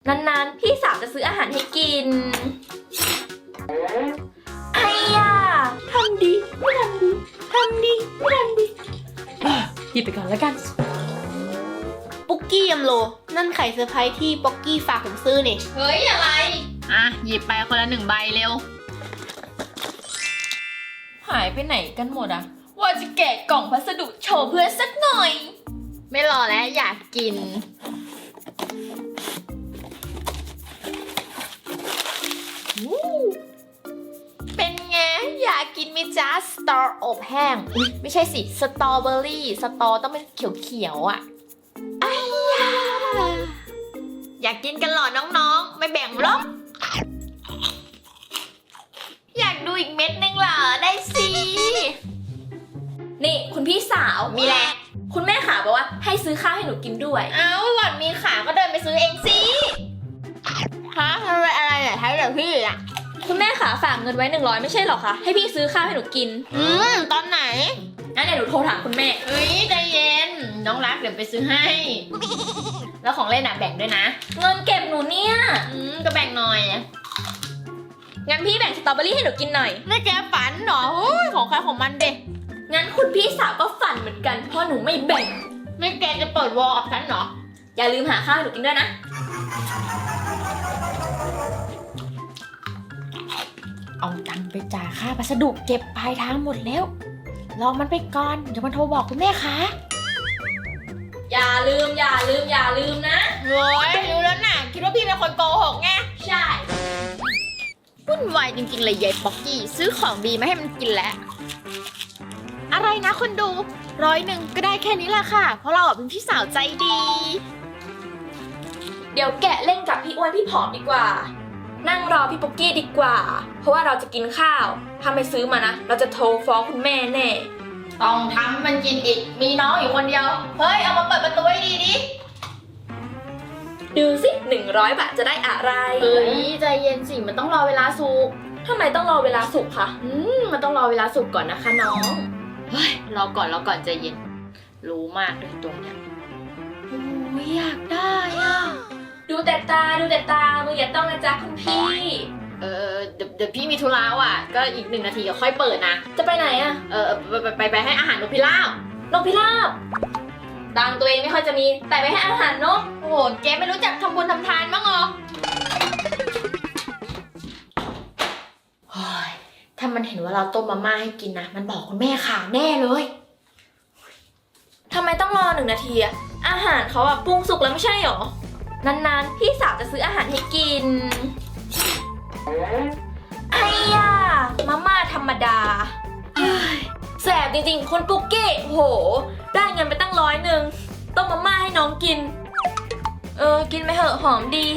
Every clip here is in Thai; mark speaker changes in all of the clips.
Speaker 1: นานๆพี่สาวจะซื้ออาหารให้กินไอ้ย่าทำดีไม่ทำดีทำดีไม่ทำดีหยิบไปก่อนแล้วกัน
Speaker 2: ปุกกี้ยำโลนั่นไข่เซอร์ไพรส์ที่ป๊อกกี้ฝากผมซื้อนี่
Speaker 1: เฮ้ยอะไร
Speaker 2: อ่ะหยิบไปคนละ1 ใบเร็ว
Speaker 1: หายไปไหนกันหมดอะว่าจะแกะกล่องพัสดุโชว์เพื่อนสักหน่อย
Speaker 2: ไม่รอแล้วอยากกินเป็นไงอยากกินไหมจ๊ะสตออบแห้งไม่ใช่สิสตรอเบอรี่สตอต้องเป็นเขียวๆอ่ะไอ้ยาอยากกินกันหรอน้องๆไม่แบ่งหรอกอยากดูอีกเม็ดนึงเหรอได้สิ
Speaker 1: นี่คุณพี่สาว
Speaker 2: มีแหละ
Speaker 1: คุณแม่ขาบอกว่าให้ซื้อข้าวให้หนูกินด้วย
Speaker 2: เอ้าหล่อนมีขาก็เดินไปซื้อเองสิฮะอะไรเนี่ยใช้เดี๋ยวพี่อ่ะ
Speaker 1: คุณแม่ขาฝากเงินไว้100ไม่ใช่หรอคะให้พี่ซื้อข้าวให้หนูกิน
Speaker 2: ตอนไหน
Speaker 1: งั้นเดี๋ยวหนูโทรถามคุณแม่
Speaker 2: เฮ้ยใจเย็นน้องรักเดี๋ยวไปซื้อให้แล้วของเล่นอ่ะแบ่งด้วยนะ
Speaker 1: เงินเก็บหนูเนี่ย
Speaker 2: ก็แบ่งหน่อย
Speaker 1: งั้นพี่แบ่งสตรอเบอรี่ให้หนูกินหน่อย
Speaker 2: ไม่แกฝันเหรอของใครของมันเด็ก
Speaker 1: งั้นคุณพี่สาวก็ฝันเหมือนกันเพราะหนูไม่แบ่ง
Speaker 2: ไม่แกจะเปิดวอลกับฉันเหรอ
Speaker 1: อย่าลืมหาข้าวให้หนูกินด้วยนะ
Speaker 2: เอาตังค์ไปจ่ายค่าพัสดุเก็บปลายทางหมดแล้วรอมันไปก่อนเดี๋ยวมันโทรบอกคุณแม่คะ
Speaker 1: อย่าลืมนะ
Speaker 2: โว้ยรู้แล้วน่ะคิดว่าพี่เป็นคนโกหกไง
Speaker 1: ใช่
Speaker 2: วุ่นวายจริงๆเลยยายป๊อกกี้ซื้อของดีมาให้มันกินแล้วอะไรนะคนดู100ก็ได้แค่นี้แหละค่ะเพราะเราเป็นพี่สาวใจดี
Speaker 1: เดี๋ยวแกะเล่นกับพี่อ้วนพี่ผอมดีกว่านั่งรอพี่ปุ๊กกี้ดีกว่าเพราะว่าเราจะกินข้าวถ้าไม่ซื้อมานะเราจะโทรฟ้องคุณแม่แน่
Speaker 2: ต้องทำมันกินอีกมีน้องอยู่คนเดียวเฮ้ยเอามาเปิดประตูให้ดีดิ
Speaker 1: ดูสิ100 บาทจะได้อะไร
Speaker 2: เฮ้ยใจเย็นสิมันต้องรอเวลาสุก
Speaker 1: ทำไมต้องรอเวลาสุกคะ
Speaker 2: มันต้องรอเวลาสุกก่อนนะคะน้องเฮ้ยรอก่อนใจเย็นรู้มากเลยตรงเนี้ย
Speaker 1: โอ้ยอยากได้อ่ะดูแต่ตามืออย่าต้องนะจ๊ะคุณพี่
Speaker 2: เดี๋ยวพี่มีธุระว่ะก็อีก1 นาทีก็ค่อยเปิดนะ
Speaker 1: จะไปไหนอ่ะ
Speaker 2: ไปให้อาหารนกพิราบ
Speaker 1: ตังตัวเองไม่ค่อยจะมีแต่ไปให้อาหารนก
Speaker 2: โอ้โหแกไม่รู้จักทำบุญทำทานบ้างเหรอเฮ้ยถ้ามันเห็นว่าเราต้มมาม่าให้กินนะมันบอกคุณแม่ข่าวแน่เลย
Speaker 1: ทำไมต้องรอ1 นาทีอะอาหารเขาอะปรุงสุกแล้วไม่ใช่หรอนานๆพี่สาวจะซื้ออาหารให้กินไอ้ย่ามาม่าธรรมดาแสบจริงๆคุณปุ๊กกี้โหได้เงินไปตั้ง100ต้มมาม่าให้น้องกินกินไปเหอะหอมดี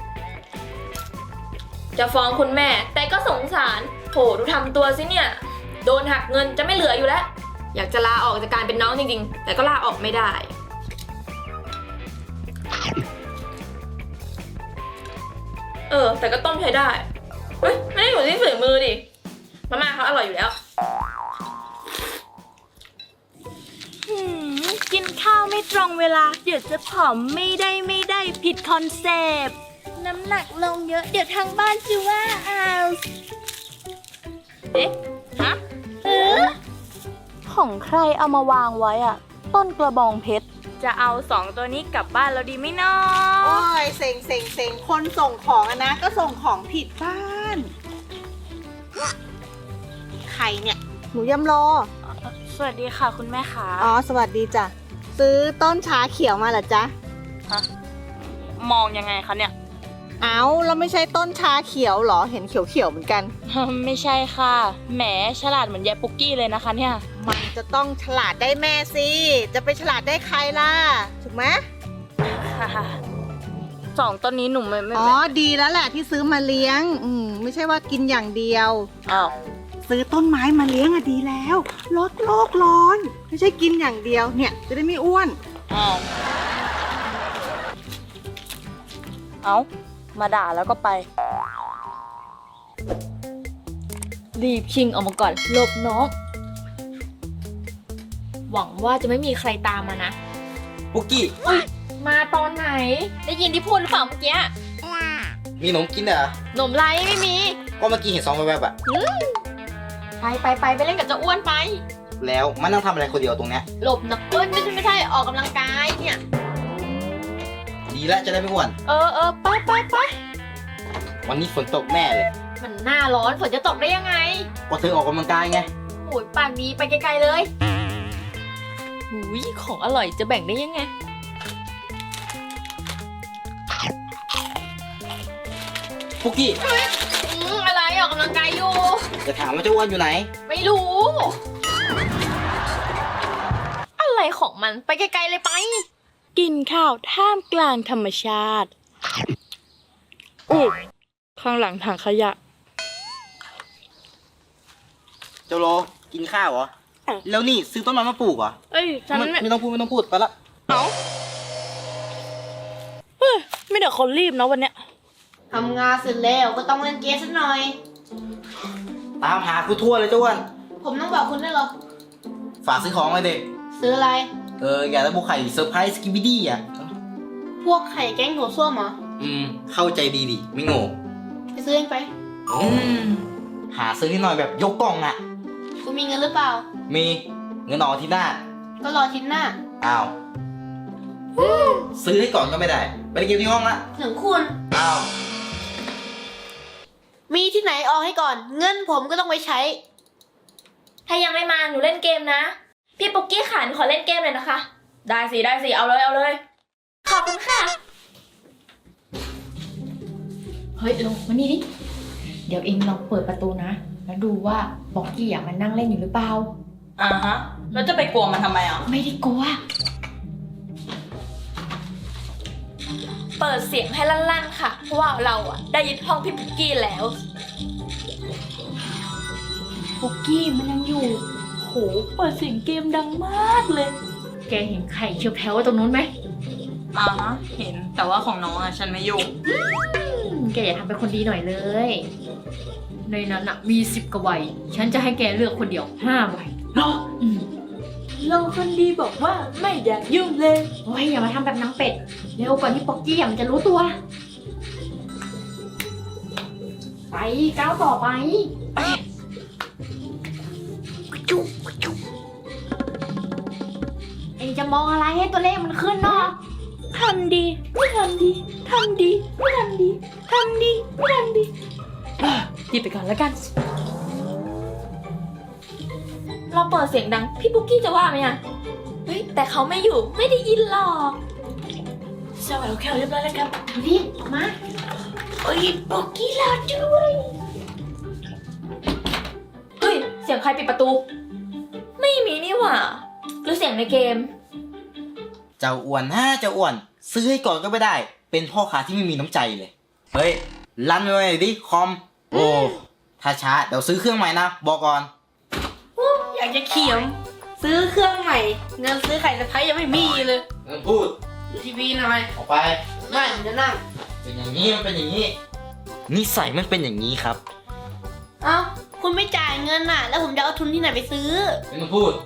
Speaker 1: จะฟ้องคุณแม่แต่ก็สงสารโหดูทำตัวสิเนี่ยโดนหักเงินจะไม่เหลืออยู่แล้วอยากจะลาออกจากการเป็นน้องจริงๆแต่ก็ลาออกไม่ได้แต่ก็ต้มใช้ได้เฮ้ยไม่ได้อยู่ที่ฝีมือดิมาม่าเขาอร่อยอยู่แล้ว
Speaker 3: กินข้าวไม่ตรงเวลาเดี๋ยวจะผอมไม่ได้ผิดคอนเซปต์น้ำหนักลงเยอะเดี๋ยวทางบ้านจะว่าเอา
Speaker 2: ฮะ
Speaker 3: ของใครเอามาวางไว้อะต้นกระบองเพชรจะเอา2 ตัวนี้กลับบ้านเราดีไหมเนาะ
Speaker 4: โอ้ยเซ็งคนส่งของอะนะก็ส่งของผิดบ้านใครเนี่ยหนูยำโล
Speaker 3: สวัสดีค่ะคุณแม่ค่ะ
Speaker 4: อ๋อสวัสดีจ้ะซื้อต้นชาเขียวมาเหรอจ๊ะ
Speaker 3: มองยังไงคะเนี่ย
Speaker 4: เอาแล้วไม่ใช่ต้นชาเขียวเหรอเห็นเขียวเหมือนกัน
Speaker 3: ไม่ใช่ค่ะแหมฉลาดเหมือนยายปุ๊กกี้เลยนะคะเนี่ย
Speaker 4: มันจะต้องฉลาดได้แม่สิจะไปฉลาดได้ใครล่ะถูกไหม
Speaker 3: ค่ะ2 ต้นนี้หนูไม่
Speaker 4: อ๋อดีแล้วแหละที่ซื้อมาเลี้ยงไม่ใช่ว่ากินอย่างเดียว
Speaker 3: อ้าว
Speaker 4: ซื้อต้นไม้มาเลี้ยงอะดีแล้วลดโลกร้อนไม่ใช่กินอย่างเดียวเนี่ยจะได้ไม่อ้วน
Speaker 3: เอามาด่าแล้วก็ไป
Speaker 1: รีบชิงออกมาก่อนหลบน้องหวังว่าจะไม่มีใครตามมานะ
Speaker 5: ปุ๊กกี้
Speaker 1: มาตอนไหนได้ยินที่พูดหรือเปล่าเมื่อกี้
Speaker 5: มีขนมกินเหรอ
Speaker 2: หนมไรไม่มี
Speaker 5: ก็เมื่อกี้เห็นซองแวบๆอะ
Speaker 2: ไปเล่นกับเจ้าอ้วนไป
Speaker 5: แล้วมันนั่งทำอะไรคนเดียวตรงเนี้ย
Speaker 2: หลบนะเอ้ยไม่ใช่ออกกำลังกายเนี่ย
Speaker 5: ดีแล้วจะได้ไม่อ้วน
Speaker 2: ไป
Speaker 5: วันนี้ฝนตกแน่เลย
Speaker 2: มันหน้าร้อนฝนจะตกได้ยังไง
Speaker 5: ก็เธอออกกำลังกายไง
Speaker 2: โอ้ยปากดีไปไกลๆเลยหุยของอร่อยจะแบ่งได้ยังไง
Speaker 5: ปุกกี้
Speaker 2: อะไรออกกำลังกายอยู่
Speaker 5: จะถามว่าเจ้าอ้วนอยู่ไหน
Speaker 2: ไม่รู้ อะไรของมันไปไกลๆเลยไป
Speaker 3: กินข้าวท่ามกลางธรรมชาติอุ๊ยข้างหลังถังขยะ
Speaker 5: เจ้าโลกินข้าวเหรอ แล้วนี่ซื้อต้นไม้มาปลูกเหรอ
Speaker 3: เอ้ยฉัน
Speaker 5: ไม่ต้องพูดไปละ
Speaker 3: เฮ้ยไม่เดี๋ยวคนรีบนะวันเนี้ย
Speaker 4: ทำงานเสร็จแล้วก็ต้องเล่นเกมสักหน่อย
Speaker 5: ตามหากูทั่วเลยเจ้าอ้วน
Speaker 4: ผมต้องบอกคุณได้วยเหรอ
Speaker 5: ฝากซื้อของเลยเด็ก
Speaker 4: ซื้ออะไร
Speaker 5: อยากได้บุกไข่เซอร์ไพรส์สกิบิดี้อ่ะ
Speaker 4: พวกไข่แกงถั่วส้วมเหรอ
Speaker 5: เข้าใจดีดิ ไม่โง่
Speaker 4: ไปซื้อเองไป
Speaker 5: หาซื้อให้หน่อยแบบยกกล่องอ่ะ
Speaker 4: คุณมีเงินหรือเปล่า
Speaker 5: มีเงินออกอาที่หน้า
Speaker 4: ก็รออาทิตย์หน้า
Speaker 5: อ้าว ซื้อให้ก่อนก็ไม่ได้ ไปเก็บที่ห้องละ
Speaker 4: ถึงคุณ
Speaker 5: อ้าว
Speaker 4: มีที่ไหนออกให้ก่อน เงินผมก็ต้องไปใช้
Speaker 1: ถ้ายังไม่มาหนูเล่นเกมนะ พี่ปุกกี้ขาหนูขอเล่นเกมเลยนะคะ ได้สิเอาเลยขอบคุณค่ะ
Speaker 2: เฮ้ยลงมานี่ดิ เดี๋ยวเองลองเปิดประตูนะ แล้วดูว่าบ็อกกี้มันนั่งเล่นอยู่หรือเปล่า
Speaker 3: ฮะ แล้วจะไปกลัวมันทำไมอ่ะ
Speaker 2: ไม่ได้กลัว
Speaker 1: เปิดเสียงให้ลั่นๆค่ะ เพราะว่าเราอะได้ยึดห้องพี่ปุกกี้แล้ว
Speaker 3: ปุกกี้มันยังอยู่ โห เปิดเสียงเกมดังมากเลย
Speaker 2: แกเห็นไข่เชียวแถวตรงนู้นไหม
Speaker 3: เห็น แต่ว่าของน้องอ่ะฉันไม่ยุ่ง
Speaker 2: แกอย่าทำเป็นคนดีหน่อยเลย ในนั้นอะมี10 กว่าใบ ฉันจะให้แกเลือกคนเดียว5 ใบ
Speaker 3: เนาะเราคนดีบอกว่าไม่อยากยุ่งเลย
Speaker 2: โอ้ยอย่ามาทำแบบน้ำเป็ด เร็วก่อนที่ป๊อกกี้มันจะรู้ตัว ไปก้าวต่อไปเอ็งจะมองอะไรให้ตัวเลขมันขึ้นเนาะ
Speaker 3: ทำดีไม่ทำดีทำดีไม่ทำดีทำดีไม่ทำดีหยิบไปก่อนแล้วกัน
Speaker 1: เราเปิดเสียงดังพี่ปุกกี้จะว่าไหมอะเฮ้ยแต่เขาไม่อยู่ไม่ได้ยินหรอก
Speaker 3: สวัสดีค่ะเรียบร้อยแล้วครับ
Speaker 2: รีบมา
Speaker 3: โอ้ยปุกกี้รอด้วย
Speaker 1: เฮ้ยเสียงใครปิดประตู ไม่มีนี่หว่าหรือเสียงในเกม
Speaker 5: เจ้าอ้วนเจ้าอ้วน ซื้อให้ก่อนก็ไม่ได้ เป็นพ่อค้าที่ไม่มีน้ำใจเลย เฮ้ย รันไปเลยดิคอม โอ้ ถ้าช้าเดี๋ยวซื้อเครื่องใหม่นะ บอกก่อน
Speaker 3: อยากจะเขียม ซื้อเครื่องใหม่ เงินซื้อไข่สะพ้ายยังไม่มีเลย
Speaker 5: พูด
Speaker 3: ดูทีวีหน่อย
Speaker 5: ออกไป
Speaker 3: ไม่ผมจะนั่ง
Speaker 5: เป็นอย่างนี้มันเป็นอย่างนี้ นิสัยมันเป็นอย่างนี้ครับ
Speaker 4: เอ้า คุณไม่จ่ายเงินน่ะ แล้วผมจะเอาทุนที่ไหนไปซื้อ
Speaker 5: ไม่ต้องพูด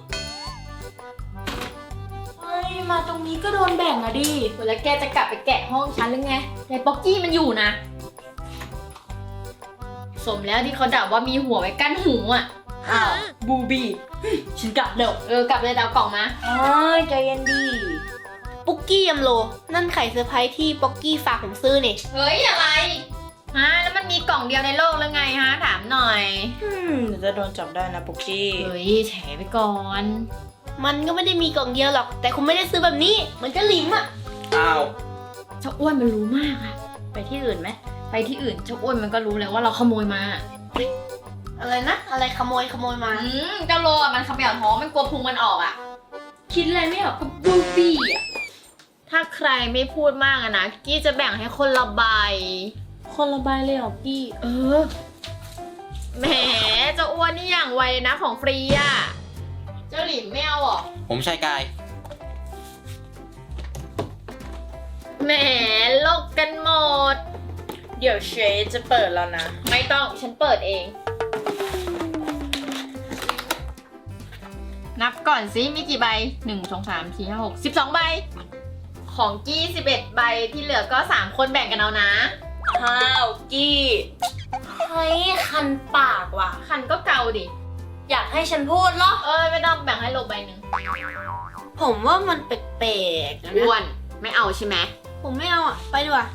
Speaker 1: เฮ้ยมาตรงนี้ก็โดนแบ่งอะดิ
Speaker 2: แล้วแกจะกลับไปแกะห้องฉันหรือไงยายป๊อกกี้มันอยู่นะ สมแล้วที่เขาด่าว่ามีหัวไว้กั้นหูอ่ะ
Speaker 3: อ้าว บูบี้ ฉันกลับเดี๋ยว
Speaker 2: กลับเลยดาวกล่องมา
Speaker 3: อ๋อใจเย็นดี
Speaker 4: ปุกกี้ยำโล นั่นไข่เซอร์ไพรส์ที่ป๊อกกี้ฝากผมซื้อนี่
Speaker 2: เฮ้ยอะไรฮะแล้วมันมีกล่องเดียวในโลกหรือไงฮะถามหน่อย
Speaker 3: เดี๋ยวจะโดนจับได้นะปุกกี้
Speaker 2: เฮ้ยแฉไปก่อน
Speaker 4: มันก็ไม่ได้มีกล่องเดียวหรอก แต่คุณไม่ได้ซื้อแบบนี้ เหมือนจะหลิมอะ
Speaker 5: อ้าว
Speaker 2: เจ้าอ้วนมันรู้มากอะ
Speaker 3: ไปที่อื่นไหม
Speaker 2: ไปที่อื่นเจ้าอ้วนมันก็รู้แล้วว่าเราขโมยมา
Speaker 4: อะไรนะ อะไรขโมยมา
Speaker 2: เจ้าโลอะมันเขมวท้องมันกลัวพุงมันออกอะคิดอะไรไม่ออกก็บูบี้อะถ้าใครไม่พูดมากอะนะกี้จะแบ่งให้คนละใบ
Speaker 3: คนละใบเลยเหรอกี้
Speaker 2: แหมเจ้าอ้วนนี่อย่างไวเลยนะของฟรีอะเจ้าหลิมไม่เอาหรอ
Speaker 5: ผมชายกาย
Speaker 2: แหมโลกกันหมด
Speaker 3: เดี๋ยวเชฟจะเปิดแล้วนะ
Speaker 2: ไม่ต้องฉันเปิดเอง นับก่อนสิมีกี่ใบ 1 2 3 4 5 6 12 ใบ ของกี้11 ใบที่เหลือก็3คนแบ่งกันเอานะ
Speaker 1: ฮห้าวกี้เฮ้ยคันปากว่ะ
Speaker 2: คันก็เกาดิ
Speaker 1: อยากให้ฉันพูดเหรอ
Speaker 2: เอ้ยไม่ต้องแบ่งให้โลใบหนึ่ง
Speaker 3: ผมว่ามันแปลกๆนะ
Speaker 2: อ้วนไม่เอาใช่ไหม
Speaker 3: ผมไม่เอาอ่ะ ไปดีกว่า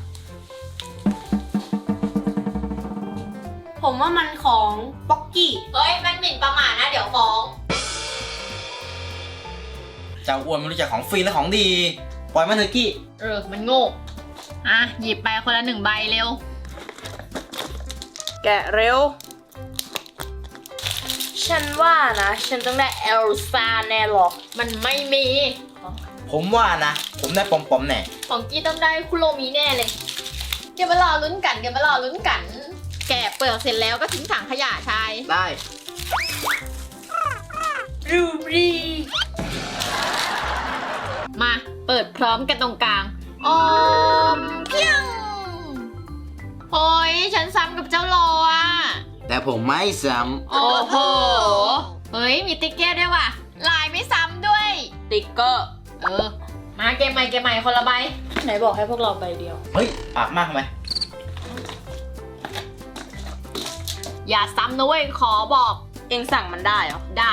Speaker 3: ผมว่ามันของป๊อกกี้
Speaker 2: เฮ้ยมันหมิ่นประมาทนะเดี๋ยวฟ้อง
Speaker 5: เจ้าอ้วนไม่รู้จักของฟรีและของดี ปล่อยมันเถอะกี้
Speaker 2: มันโง่อ่ะหยิบไปคนละ1ใบเร็ว
Speaker 3: แกะเร็ว
Speaker 1: ฉันว่านะ ฉันต้องได้เอลซ่าแน่หรอก
Speaker 2: มันไม่มี
Speaker 5: ผมว่านะ ผมได้ปอมๆแน่
Speaker 2: ของกี้ต้องได้คุโรมิแน่เลยเดี๋ยวมารอลุ้นกัน แกะเปลือกเสร็จแล้วก็ทิ้งถังขยะชาย
Speaker 5: ได้
Speaker 1: รูบรี
Speaker 2: มาเปิดพร้อมกันตรงกลางออมเพียงโอ้ยฉันซ้ำกับเจ้าโลอ่ะ
Speaker 5: แต่ผมไม่ซ้
Speaker 2: โอ้โห เฮ้ย มีติ๊กเก็ตด้วยว่ะ ลายไม่ซ้ำด้วย
Speaker 1: ติ๊กเกอร์
Speaker 2: มาเกมใหม่คนละใบ
Speaker 1: ไหนบอกให้พวกเราใบเดียว
Speaker 5: ำเฮ้ย ปากมากไหม
Speaker 2: อย่าซ้ำนะเว้ย ขอบอก
Speaker 1: เองสั่งมันได้เหรอ
Speaker 2: ได้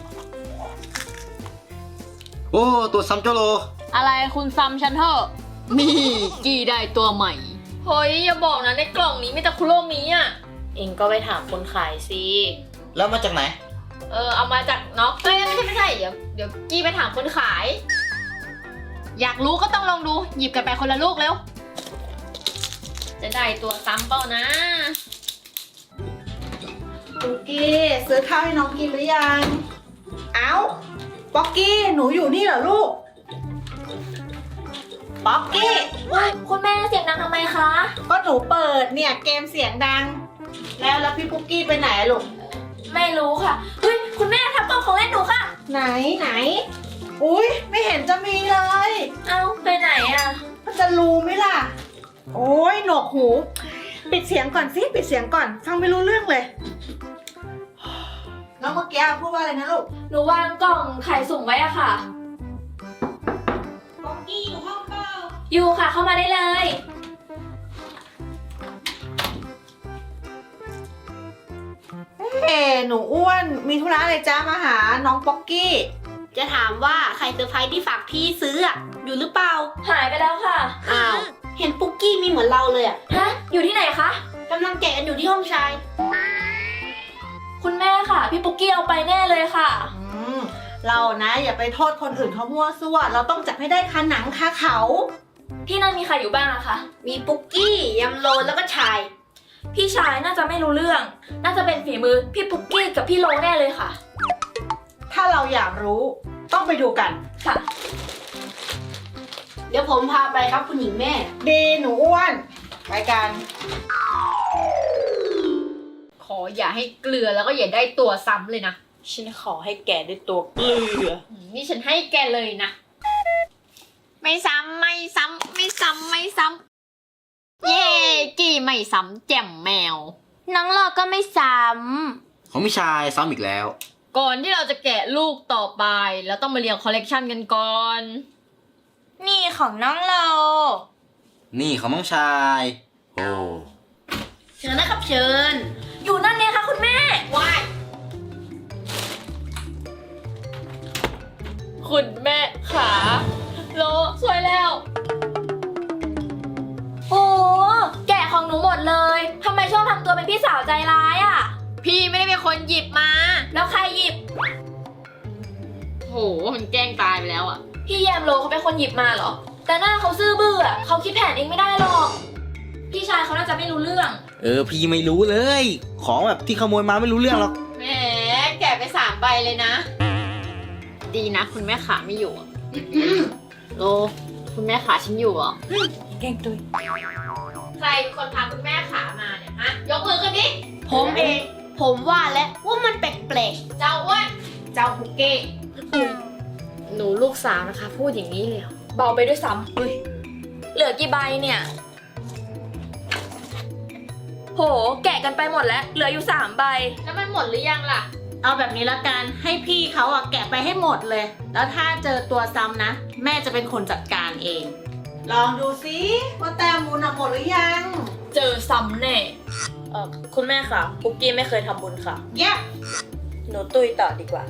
Speaker 5: โอ้ ตัวซ้ำเจ้าโล
Speaker 1: อะไรคุณซ้ำฉันเถอะ
Speaker 2: นี่กี่ได้ตัวใหม่ เฮ้ย อย่าบอกนะในกล่องนี้มีแต่คุโรมิอ่ะ
Speaker 1: เองก็ไปถามคนขายสิ
Speaker 5: แล้วมาจากไหน
Speaker 2: เอามาจากน็อกเอ้ยไม่ใช่ เดี๋ยวกี้ไปถามคนขาย อยากรู้ก็ต้องลองดู หยิบกันไปคนละลูกเร็ว จะได้ตัวซ้ำเปล่านะ
Speaker 4: ปุกกี้ซื้อข้าวให้น้องกินหรือยัง เอ้า ป๊อกกี้ หนูอยู่นี่เหรอลูก ป๊อกกี้
Speaker 1: คุณแม่เสียงดังทำไมคะ
Speaker 4: ก็หนูเปิดเนี่ยเกมเสียงดัง แล้วพี่ปุกกี้ไปไหนอะลูก
Speaker 1: ไม่รู้ค่ะ เฮ้ย คุณแม่ทับกล่องของเล่นหนูค่ะ
Speaker 4: ไหน อุ้ยไม่เห็นจะมีเลย
Speaker 1: เอ้า ไปไหนอ่ะ
Speaker 4: มันจะรู้ไหมล่ะ โอ้ยหนวกหู ปิดเสียงก่อนสิ ปิดเสียงก่อน ฟังไม่รู้เรื่องเลย น้องเมื่อกี้พูดว่าอะไรนะลูก
Speaker 1: หนูวางกล่องไข่สุ่มไว้อะค่ะ
Speaker 4: ป๊อกกี้อยู่ห้องเปล่า
Speaker 1: อยู่ค่ะ เข้ามาได้เลย
Speaker 4: หนูอ้วนมีธุระอะไรจ้ามาหาน้องป๊อกกี้
Speaker 3: จะถามว่าใครเซอร์ไพรส์ที่ฝากพี่ซื้ออ่ะ อยู่หรือเปล่า
Speaker 1: หายไปแล้วค่ะ
Speaker 3: อ้าว เห็นปุ๊กกี้มีเหมือนเราเลยอ่ะ
Speaker 1: ฮะ อยู่ที่ไหนคะ
Speaker 3: กำลังแกะกันอยู่ที่ห้องชาย
Speaker 1: คุณแม่ค่ะ พี่ปุ๊กกี้เอาไปแน่เลยค่ะ
Speaker 4: เรานะอย่าไปโทษคนอื่นเขามั่วซั่วเราต้องจับให้ได้คาหนังคาเขา
Speaker 1: ที่นั่นมีใครอยู่บ้างอะคะ
Speaker 3: มีปุ๊กกี้ยำโลแล้วก็ชาย
Speaker 1: พี่ชายน่าจะไม่รู้เรื่อง น่าจะเป็นฝีมือพี่ปุ๊กกี้กับพี่โลแน่เลยค่ะ
Speaker 4: ถ้าเราอยากรู้ต้องไปดูกัน
Speaker 1: ค่ะ
Speaker 3: เดี๋ยวผมพาไปครับคุณหญิงแม่
Speaker 4: ดีหนูอ้วนไปกัน
Speaker 2: ขออย่าให้เกลือแล้วก็อย่าได้ตัวซ้ำเลยนะ
Speaker 1: ฉันขอให้แกได้ตัวเกลือ
Speaker 2: นี่ฉันให้แกเลยนะ ไม่ซ้ำไม่ซ้ำไม่ซ้ำไม่ซ้ำเย่กี่ไม่ซ้ำแจ่มแมว
Speaker 1: น้องหลอก็ไม่ซ้
Speaker 5: ของพี่ชายซ้ำอีกแล้ว
Speaker 2: ก่อนที่เราจะแกะลูกต่อไปเราต้องมาเรียงคอลเลกชันกันก่อน
Speaker 1: ำนี่ของน้องโล
Speaker 5: นี่ของน้องชาย โอ้
Speaker 3: เชิญนะครับเชิญ
Speaker 1: อยู่นั่นไงคะคุณแม่
Speaker 2: ว้ายคุณแม่ขาโลสวยแล้ว
Speaker 1: โอ้แกะของหนูหมดเลยทำไมชอบทำตัวเป็นพี่สาวใจร้ายอะ
Speaker 2: พี่ไม่ได้เป็นคนหยิบมา
Speaker 1: แล้วใครหยิบ
Speaker 2: โหมันแกล้งตายไปแล้วอ่ะ
Speaker 1: พี่แยมโลเขาเป็นคนหยิบมาเหรอ แต่หน้าเขาซื่อบื้ออะเขาคิดแผนเองไม่ได้หรอก พี่ชายเขาน่าจะไม่รู้เรื่อง
Speaker 5: พี่ไม่รู้เลย ของแบบที่ขโมยมาไม่รู้เรื่องหรอก
Speaker 2: แหมแกะไป3ใบเลยนะ ดีนะคุณแม่ขาไม่อยู่อะโลคุณแม่ขาฉันอยู่เหรอ
Speaker 1: แกล้งตัว
Speaker 2: ใครเป็นคนพาคุณแม่ขามาเนี่ยฮะยกมือขึ้นดิ
Speaker 3: ผมเอง ผมว่าแล้วว่ามันแปลก
Speaker 2: เจ้าอ้วน
Speaker 3: ๆ เจ้าปุกกี้
Speaker 2: หนูลูกสาวนะคะ พูดอย่างนี้เลยเหรอ
Speaker 1: เบาไปด้วยซ้ำเหลือกี่ใบเนี่ย โห แกะกันไปหมดแล้ว เหลืออยู่3ใบ
Speaker 2: แล้วมันหมดหรือยังล่ะ
Speaker 4: เอาแบบนี้ละกันให้พี่เขาอะแกะไปให้หมดเลย แล้วถ้าเจอตัวซ้ำนะ แม่จะเป็นคนจัดการเอง ลองดูซิว่าแต้มมูลอะหมดหรือยัง
Speaker 1: เจอซซ้ำแน่คุณแม่ค่ะปุกกี้ไม่เคยทำบุญค่ะ
Speaker 4: เย็บ
Speaker 1: หนูตุ้ยต่อดีกว่า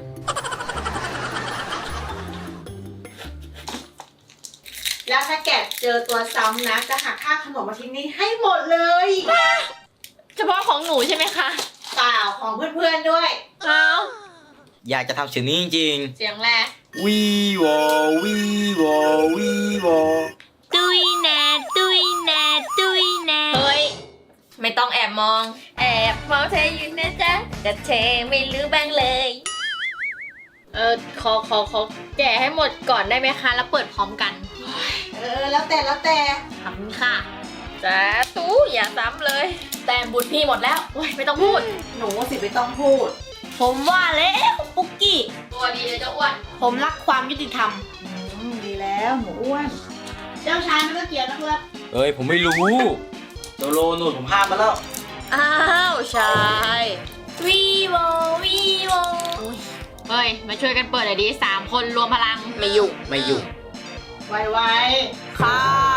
Speaker 4: แล้วถ้าแกเจอตัวซ้ำนะจะหักค่าขนมอาทิตย์นี้ให้หมดเลย
Speaker 2: เฉพาะของหนูใช่ไหมคะ
Speaker 4: เปล่าของเพื่อนๆด้วย
Speaker 2: เอา
Speaker 5: อยากจะทำเสียงนี้จริง
Speaker 2: เสียงแรก
Speaker 5: ๆวีวอวีวอวีวอ
Speaker 3: ตุยแน่ตุยแน่ตุยแน่
Speaker 2: เฮ้ย
Speaker 1: ไม่ต้องแอบมอง
Speaker 2: แอบมองเธออยู่นะจ๊ะแต่เธอไม่รู้บ้างเลย ขอแกะให้หมดก่อนได้ไหมคะ แล้วเปิดพร้อมกัน
Speaker 4: แล้วแต่
Speaker 2: ขอบคุณค่ะจ้าตู้อย่าซ้ำเลย
Speaker 1: แต่บุญพี่หมดแล้ว
Speaker 2: โอ้ยไม่ต้องพูด
Speaker 4: หนูสิไม่ต้องพูด
Speaker 3: ผมว่าแล้วปุกกี้
Speaker 2: ตัวดีเลยเจ้าอ้วน
Speaker 3: ผมรักความยุติธรรม
Speaker 4: ดีแล้วหนูอ้วน เจ้าชายไม่ต้องเกี่ยวนะครับ
Speaker 5: เอ้ยผมไม่รู้โจโลนู่นผมห้ามมาแล้ว
Speaker 2: อ้าวชาย
Speaker 1: วีโววีโว
Speaker 2: เฮ้ย มาช่วยกันเปิดหน่อยดิ3 คนรวมพลัง
Speaker 1: ไม่อยู่
Speaker 5: ไม่อยู่
Speaker 4: ไว
Speaker 3: ค่ะ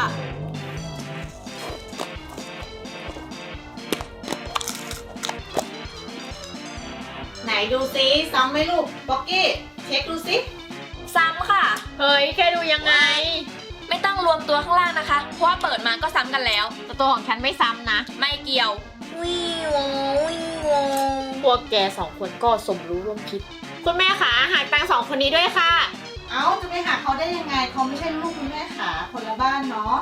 Speaker 4: ๆไหนดูซิซ้ำไหมลูกป๊อกกี้เช็คดูซิ
Speaker 1: ซ้ำค่ะ
Speaker 2: เฮ้ย แค่ดูยังไง
Speaker 1: ไม่ต้องรวมตัวข้างล่างนะคะ เพราะว่าเปิดมาก็ซ้ำกันแล้ว
Speaker 2: แต่ตัวของฉันไม่ซ้ำนะ
Speaker 1: ไม่เกี่ยว วีโววีโว
Speaker 2: พวกแก2 คนก็สมรู้ร่วมคิด คุณแม่ขาหาตังค์2 คนนี้ด้วยค่ะ
Speaker 4: เอ้าจะไปหาเขาได้ยังไงเขาไม่ใช่ลูกคุณแม่ขาคนละบ้านเนาะ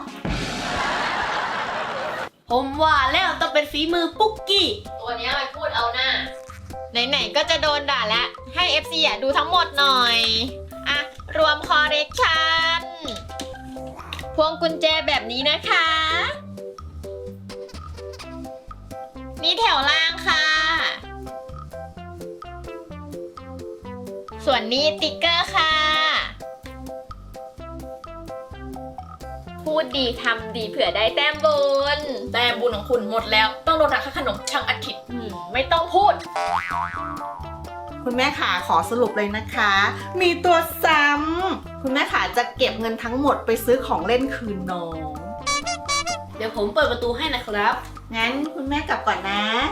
Speaker 3: ผมว่าแล้วต้องเป็นฝีมือปุกกี้
Speaker 2: ตัวเนี้ยไปพูดเอาหน้า ไหนๆก็จะโดนด่าแล้ว ให้ FC อ่ะดูทั้งหมดหน่อย อ่ะ รวมคอเรคชันพวงกุญแจแบบนี้นะคะ นี่แถวล่างค่ะ ส่วนนี้ติ๊กเกอร์ค่ะ พูดดีทำดีเผื่อได้แต้มบุญ
Speaker 1: แต่บุญของคุณหมดแล้ว ต้องโดนหักค่าขนมช่างอาทิตย์
Speaker 2: ไม่ต้องพูด
Speaker 4: คุณแม่ขาขอสรุปเลยนะคะ มีตัวซ้ำคุณแม่ขาจะเก็บเงินทั้งหมดไปซื้อของเล่นคืนน้อง
Speaker 3: เดี๋ยวผมเปิดประตูให้นะครับ
Speaker 4: งั้นคุณแม่กลับก่อนนะ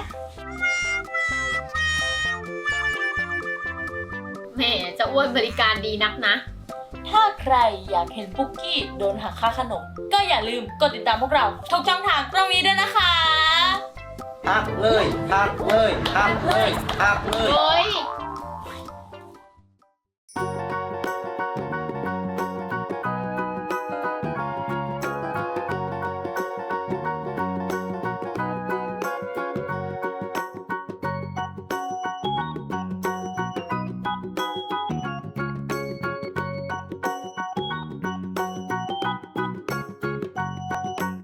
Speaker 2: แหมจะอ้วนบริการดีนักนะ
Speaker 3: ถ้าใครอยากเห็นปุกกี้โดนหักค่าขนม ก็อย่าลืมกดติดตามพวกเราทุกช่องทางตรงนี้ด้วยนะคะ
Speaker 5: หักเลยหักเลยหักเลยหักเลย
Speaker 2: โอ้ย